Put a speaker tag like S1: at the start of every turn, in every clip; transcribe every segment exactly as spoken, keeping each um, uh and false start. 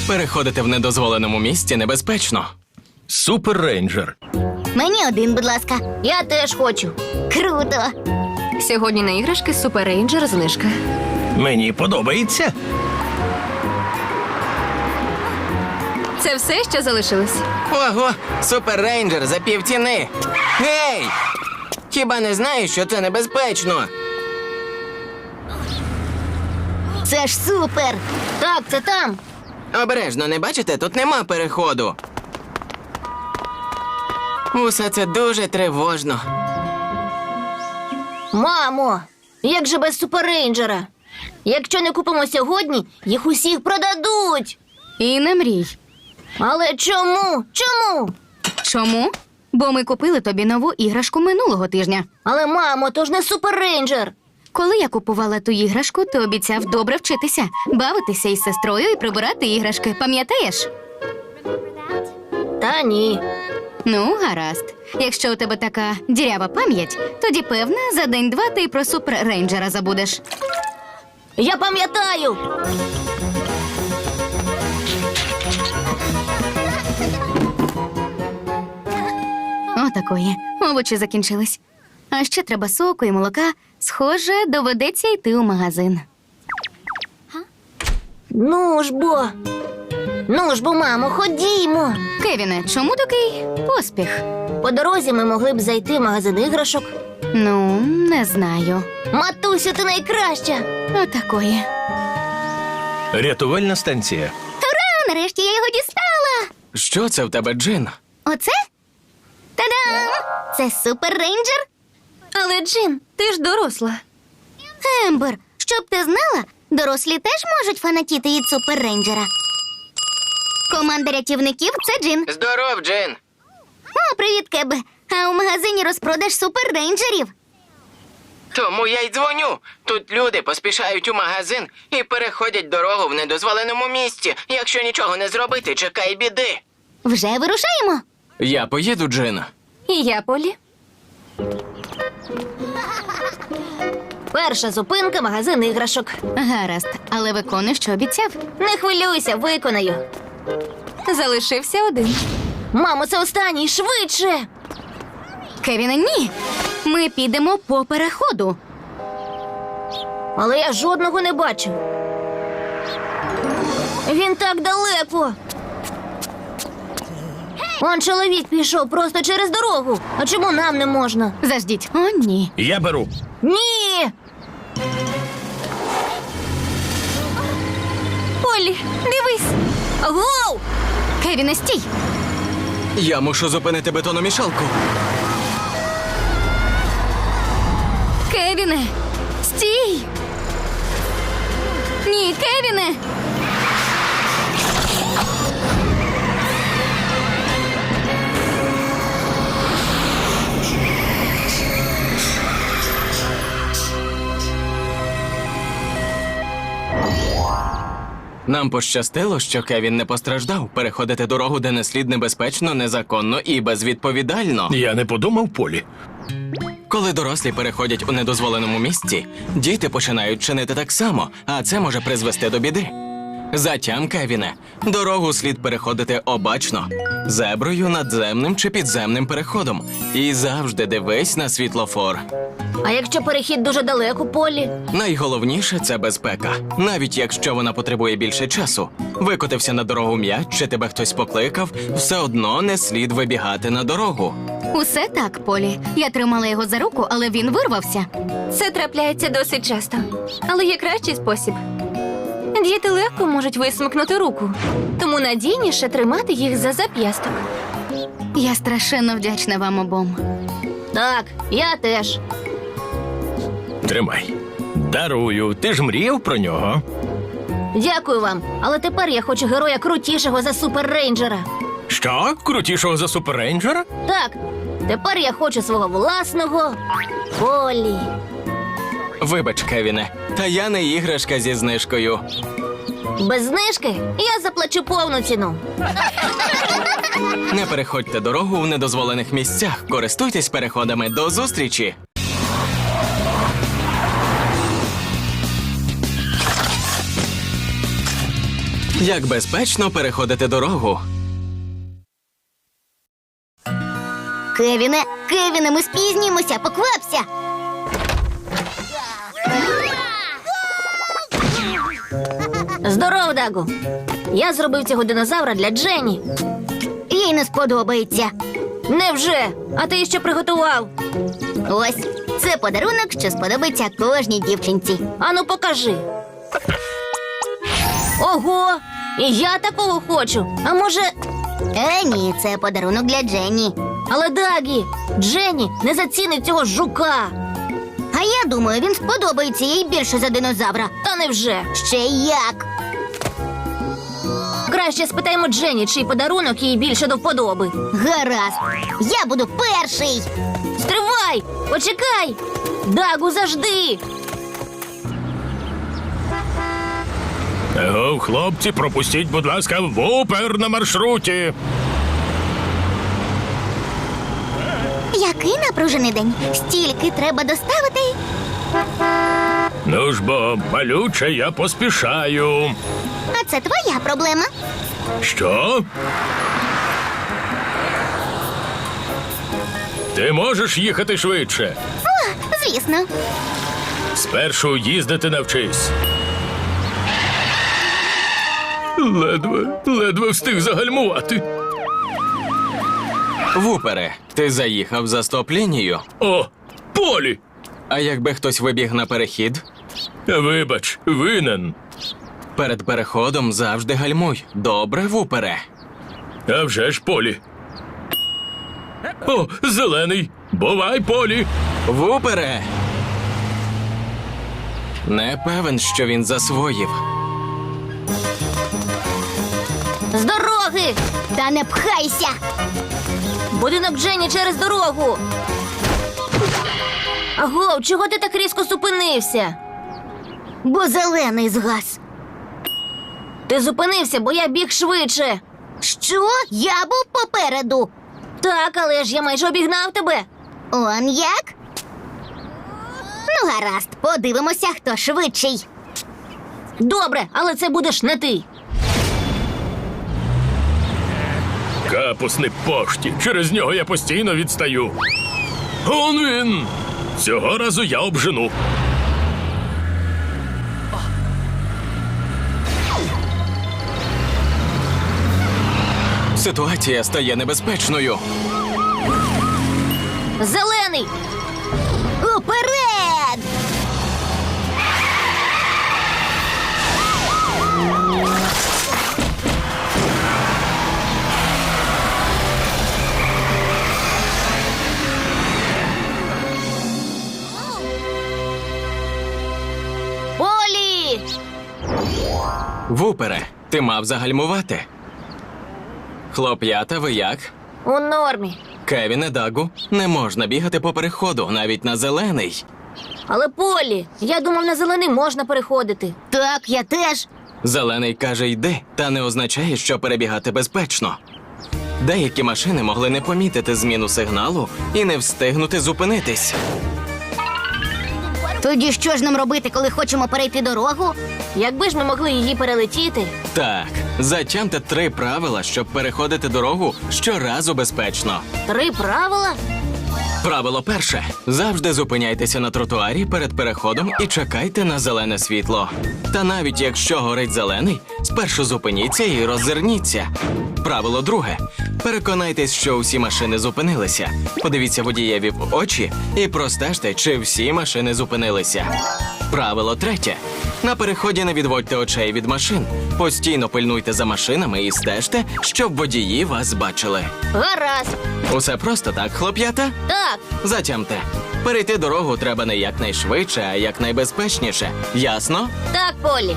S1: Переходити в недозволеному місці небезпечно.
S2: Супер Рейнджер.
S3: Мені один, будь ласка.
S4: Я теж хочу.
S3: Круто.
S4: Сьогодні на іграшки Супер Рейнджер знижка.
S2: Мені подобається.
S4: Це все, що залишилось.
S5: Ого, Супер Рейнджер за півціни. Гей! Хіба не знаєш, що це небезпечно?
S3: Це ж супер.
S4: Так, це там.
S5: Обережно, не бачите? Тут нема переходу. Усе це дуже тривожно.
S4: Мамо, як же без Супер Рейнджера? Якщо не купимо сьогодні, їх усіх продадуть.
S6: І не мрій.
S4: Але чому? Чому?
S6: Чому? Бо ми купили тобі нову іграшку минулого тижня.
S4: Але, мамо, то ж не Супер Рейнджер.
S6: Коли я купувала ту іграшку, ти обіцяв добре вчитися, бавитися із сестрою і прибирати іграшки. Пам'ятаєш?
S4: Та ні.
S6: Ну, гаразд. Якщо у тебе така дірява пам'ять, тоді, певно, за день-два ти про Супер Рейнджера забудеш.
S4: Я пам'ятаю.
S6: Отакої. Овочі закінчились. А ще треба соку і молока. Схоже, доведеться йти у магазин.
S4: Ну ж бо. Ну ж бо, мамо, ходімо.
S6: Кевіне, чому такий поспіх?
S4: По дорозі ми могли б зайти в магазин іграшок.
S6: Ну, не знаю.
S4: Матусю, ти найкраща.
S6: Отакої.
S2: Рятувальна станція.
S3: Ура, нарешті я його дістала.
S1: Що це в тебе, Джин?
S3: Оце? Та-дам! Це Супер Рейнджер?
S4: Але, Джин, ти ж доросла.
S3: Ембер, щоб ти знала, дорослі теж можуть фанатіти від Супер Рейнджера. Команда рятівників – це Джин.
S5: Здоров, Джин.
S3: О, привіт, Кебе. А у магазині розпродаж Супер Рейнджерів.
S5: Тому я й дзвоню. Тут люди поспішають у магазин і переходять дорогу в недозволеному місці. Якщо нічого не зробити, чекай біди.
S3: Вже вирушаємо.
S1: Я поїду, Джин.
S4: І я, Полі. Перша зупинка – магазин іграшок.
S6: Гаразд, але виконуй, що обіцяв.
S4: Не хвилюйся, виконаю. Залишився один. Мамо, це останній, швидше!
S6: Кевіне, ні. Ми підемо по переходу.
S4: Але я жодного не бачу. Він так далеко. Он чоловік пішов просто через дорогу. А чому нам не можна?
S6: Заждіть. О, ні.
S2: Я беру.
S4: Ні! Полі, дивись! Гоу!
S6: Кевіне, стій!
S1: Я мушу зупинити бетономішалку.
S6: Кевіне, стій! Ні, Кевіне!
S1: Нам пощастило, що Кевін не постраждав. Переходити дорогу, де не слід, небезпечно, незаконно і безвідповідально.
S2: Я не подумав, Полі.
S1: Коли дорослі переходять у недозволеному місці, діти починають чинити так само, а це може призвести до біди. Затям, Кевіне, дорогу слід переходити обачно, зеброю, надземним чи підземним переходом. І завжди дивись на світлофор.
S4: А якщо перехід дуже далеко, Полі?
S1: Найголовніше – це безпека. Навіть якщо вона потребує більше часу. Викотився на дорогу м'яч, чи тебе хтось покликав, все одно не слід вибігати на дорогу.
S6: Усе так, Полі. Я тримала його за руку, але він вирвався.
S4: Це трапляється досить часто. Але є кращий спосіб. Діти легко можуть висмикнути руку. Тому надійніше тримати їх за зап'ясток.
S6: Я страшенно вдячна вам обом.
S4: Так, я теж.
S2: Тримай. Дарую. Ти ж мріяв про нього.
S4: Дякую вам. Але тепер я хочу героя крутішого за Супер Рейнджера.
S2: Що? Крутішого за Супер Рейнджера?
S4: Так, тепер я хочу свого власного Полі.
S1: Вибач, Кевіне, та я не іграшка зі знижкою.
S4: Без знижки я заплачу повну ціну.
S1: Не переходьте дорогу в недозволених місцях. Користуйтесь переходами. До зустрічі! Як безпечно переходити дорогу.
S3: Кевіне, Кевіне, ми спізнімося, поквапся!
S4: Здоров, Дагу. Я зробив цього динозавра для Дженні.
S3: Їй не сподобається.
S4: Невже? А ти що приготував?
S3: Ось, це подарунок, що сподобається кожній дівчинці.
S4: Ану, покажи. Ого! І я такого хочу. А може.
S3: Е, ні, це подарунок для Дженні.
S4: Але Дагі, Дженні не зацінить цього жука.
S3: А я думаю, він сподобається їй більше за динозавра.
S4: Та невже?
S3: Ще як?
S4: Краще спитаємо Дженні, чий подарунок їй більше до вподоби.
S3: Гаразд, я буду перший.
S4: Стривай! Почекай! Дагу, завжди!
S2: Его, хлопці, пропустіть, будь ласка, Вупер на маршруті.
S3: Який напружений день? Стільки треба доставити.
S2: Ну ж бо, малюче, я поспішаю.
S3: А це твоя проблема.
S2: Що? Ти можеш їхати швидше?
S3: О, звісно.
S2: Спершу їздити навчись. Ледве, ледве встиг загальмувати.
S1: Вупере, ти заїхав за стоп-лінію.
S2: О, Полі!
S1: А якби хтось вибіг на перехід?
S2: Вибач, винен.
S1: Перед переходом завжди гальмуй. Добре, Вупере?
S2: А вже ж, Полі. О, зелений. Бувай, Полі.
S1: Вупере! Не певен, що він засвоїв.
S4: З дороги!
S3: Та не пхайся.
S4: Будинок Дженні через дорогу. Аго, чого ти так різко зупинився?
S3: Бо зелений згас.
S4: Ти зупинився, бо я біг швидше.
S3: Що? Я був попереду.
S4: Так, але ж я майже обігнав тебе.
S3: Он як? Ну, гаразд, подивимося, хто швидший.
S4: Добре, але це будеш не ти.
S2: Капусний пошті. Через нього я постійно відстаю. Он він! Цього разу я обжену.
S1: Ситуація стає небезпечною.
S4: Зелений!
S3: Уперед!
S4: Полі!
S1: Вупере, ти мав загальмувати. Хлоп'ята, ви як?
S4: У нормі.
S1: Кевіне, Дагу, не можна бігати по переходу, навіть на зелений.
S4: Але Полі, я думав, на зелений можна переходити.
S3: Так, я теж.
S1: Зелений каже йди, та не означає, що перебігати безпечно. Деякі машини могли не помітити зміну сигналу і не встигнути зупинитись.
S3: Тоді що ж нам робити, коли хочемо перейти дорогу?
S4: Якби ж ми могли її перелетіти.
S1: Так, затямте три правила, щоб переходити дорогу щоразу безпечно.
S4: Три правила?
S1: Правило перше. Завжди зупиняйтеся на тротуарі перед переходом і чекайте на зелене світло. Та навіть якщо горить зелений, спершу зупиніться і роззирніться. Правило друге. Переконайтесь, що усі машини зупинилися. Подивіться водієві в очі і простежте, чи всі машини зупинилися. Правило третє. На переході не відводьте очей від машин. Постійно пильнуйте за машинами і стежте, щоб водії вас бачили.
S4: Гаразд.
S1: Усе просто так, хлоп'ята?
S4: Так,
S1: Затямте. Перейти дорогу треба не якнайшвидше, а якнайбезпечніше. Ясно?
S4: так, Полі.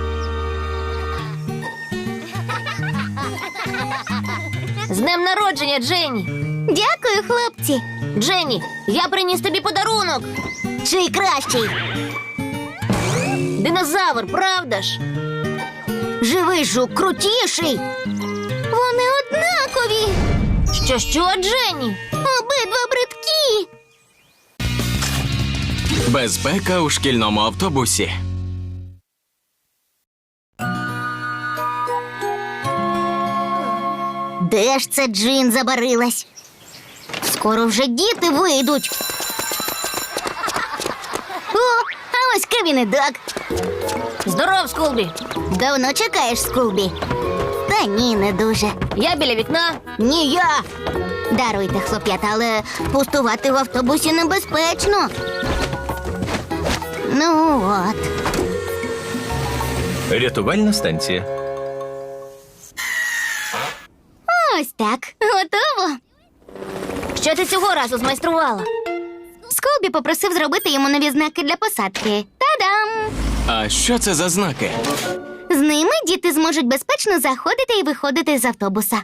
S4: З днем народження, Дженні.
S3: Дякую, хлопці.
S4: Дженні, я приніс тобі подарунок.
S3: Чий кращий?
S4: Динозавр, правда ж?
S3: Живий жук крутіший. Вони однакові.
S4: Що, що, Дженні?
S3: Обидва бридкі.
S1: Безпека у шкільному автобусі.
S3: Де ж це Джин забарилась? Скоро вже діти вийдуть. О, а ось Кевін і Даг.
S4: Здоров, Скулбі.
S3: Давно чекаєш, Скулбі? Та ні, не дуже.
S4: Я біля вікна.
S3: Ні, я. Даруйте, хлоп'ята, але пустувати в автобусі небезпечно. Ну от.
S2: Рятувальна станція.
S3: Ось так. Готово.
S4: Що ти цього разу змайструвала?
S3: Скулбі попросив зробити йому нові знаки для посадки. Та-дам!
S1: А що це за знаки?
S3: З ними діти зможуть безпечно заходити і виходити з автобуса.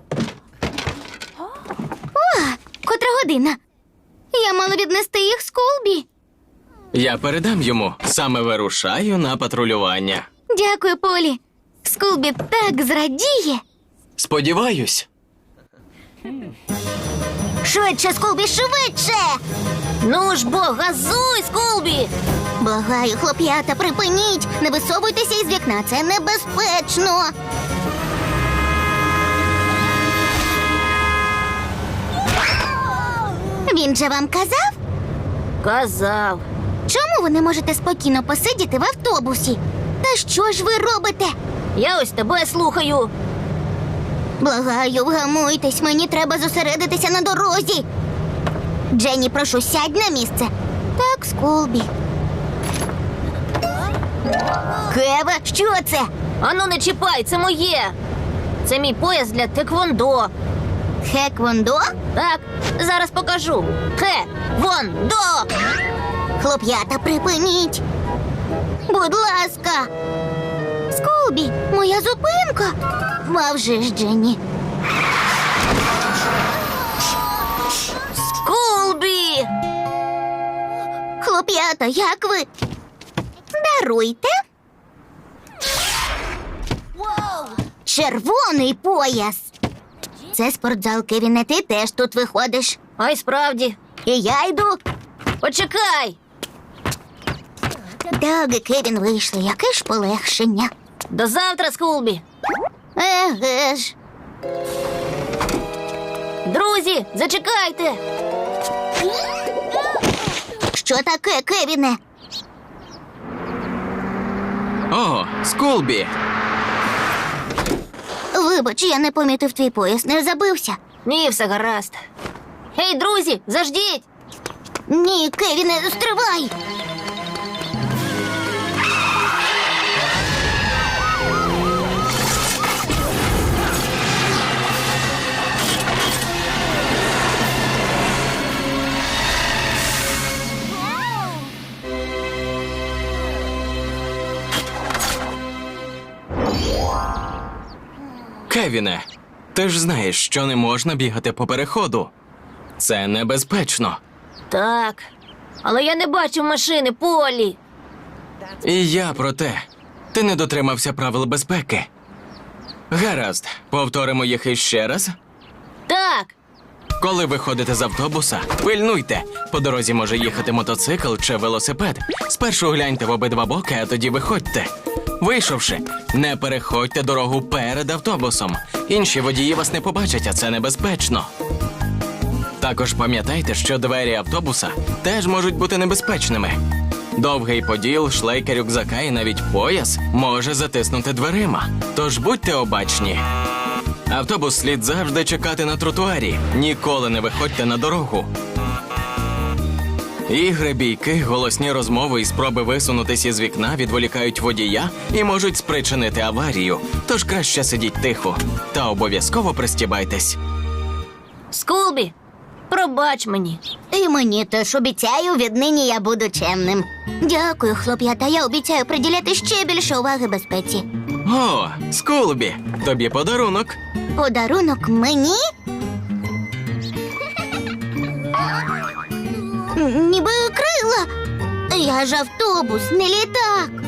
S3: О, котра година. Я мала віднести їх Скулбі.
S1: Я передам йому. Саме вирушаю на патрулювання.
S3: Дякую, Полі. Скулбі так зрадіє.
S1: Сподіваюсь.
S3: Швидше, Скулбі, швидше!
S4: Ну ж бо, газуй, Скулбі!
S3: Благаю, хлоп'ята, припиніть! Не висовуйтеся із вікна, це небезпечно! Він же вам казав?
S4: Казав.
S3: Чому ви не можете спокійно посидіти в автобусі? Та що ж ви робите?
S4: Я ось тебе слухаю.
S3: Благаю, вгамуйтесь, мені треба зосередитися на дорозі. Дженні, прошу, сядь на місце. Так, Скулбі. Кеве, що це?
S4: Ану, не чіпай, це моє. Це мій пояс для теквондо.
S3: Хеквондо?
S4: Так, зараз покажу. Хе-вон-до!
S3: Хлоп'ята, припиніть. Будь ласка. Скулбі, моя зупинка. А вже ж, Дженні.
S4: Скулбі!
S3: Хлоп'ята, як ви? Даруйте. Червоний пояс. Це спортзал, Кевіне, ти теж тут виходиш.
S4: Ай, справді.
S3: І я йду.
S4: Почекай!
S3: Даг і Кевін вийшли, яке ж полегшення.
S4: До завтра, Скулбі!
S3: Еге ж.
S4: Друзі, зачекайте!
S3: Що таке, Кевіне?
S1: О, Скулбі!
S3: Вибач, я не помітив твій пояс, не забився.
S4: Ні, все гаразд. Гей, друзі, заждіть!
S3: Ні, Кевіне, стривай!
S1: Кевіне, ти ж знаєш, що не можна бігати по переходу. Це небезпечно.
S4: Так. Але я не бачив машини, Полі.
S1: І я про те. Ти не дотримався правил безпеки. Гаразд, повторимо їх іще раз.
S4: Так.
S1: Коли виходите з автобуса, пильнуйте. По дорозі може їхати мотоцикл чи велосипед. Спершу гляньте в обидва боки, а тоді виходьте. Вийшовши, не переходьте дорогу перед автобусом. Інші водії вас не побачать, а це небезпечно. Також пам'ятайте, що двері автобуса теж можуть бути небезпечними. Довгий поділ, шлейка рюкзака і навіть пояс може затиснути дверима. Тож будьте обачні. Автобус слід завжди чекати на тротуарі. Ніколи не виходьте на дорогу. Ігри, бійки, голосні розмови і спроби висунутися із вікна відволікають водія і можуть спричинити аварію. Тож краще сидіть тихо. Та обов'язково пристібайтесь.
S4: Скулбі, пробач мені.
S3: І мені теж обіцяю, віднині я буду чемним. Дякую, хлоп'ята, я обіцяю приділяти ще більше уваги безпеці.
S1: О, Скулбі, тобі подарунок.
S3: Подарунок мені? Н- Ніби крила. Я ж автобус, не літак.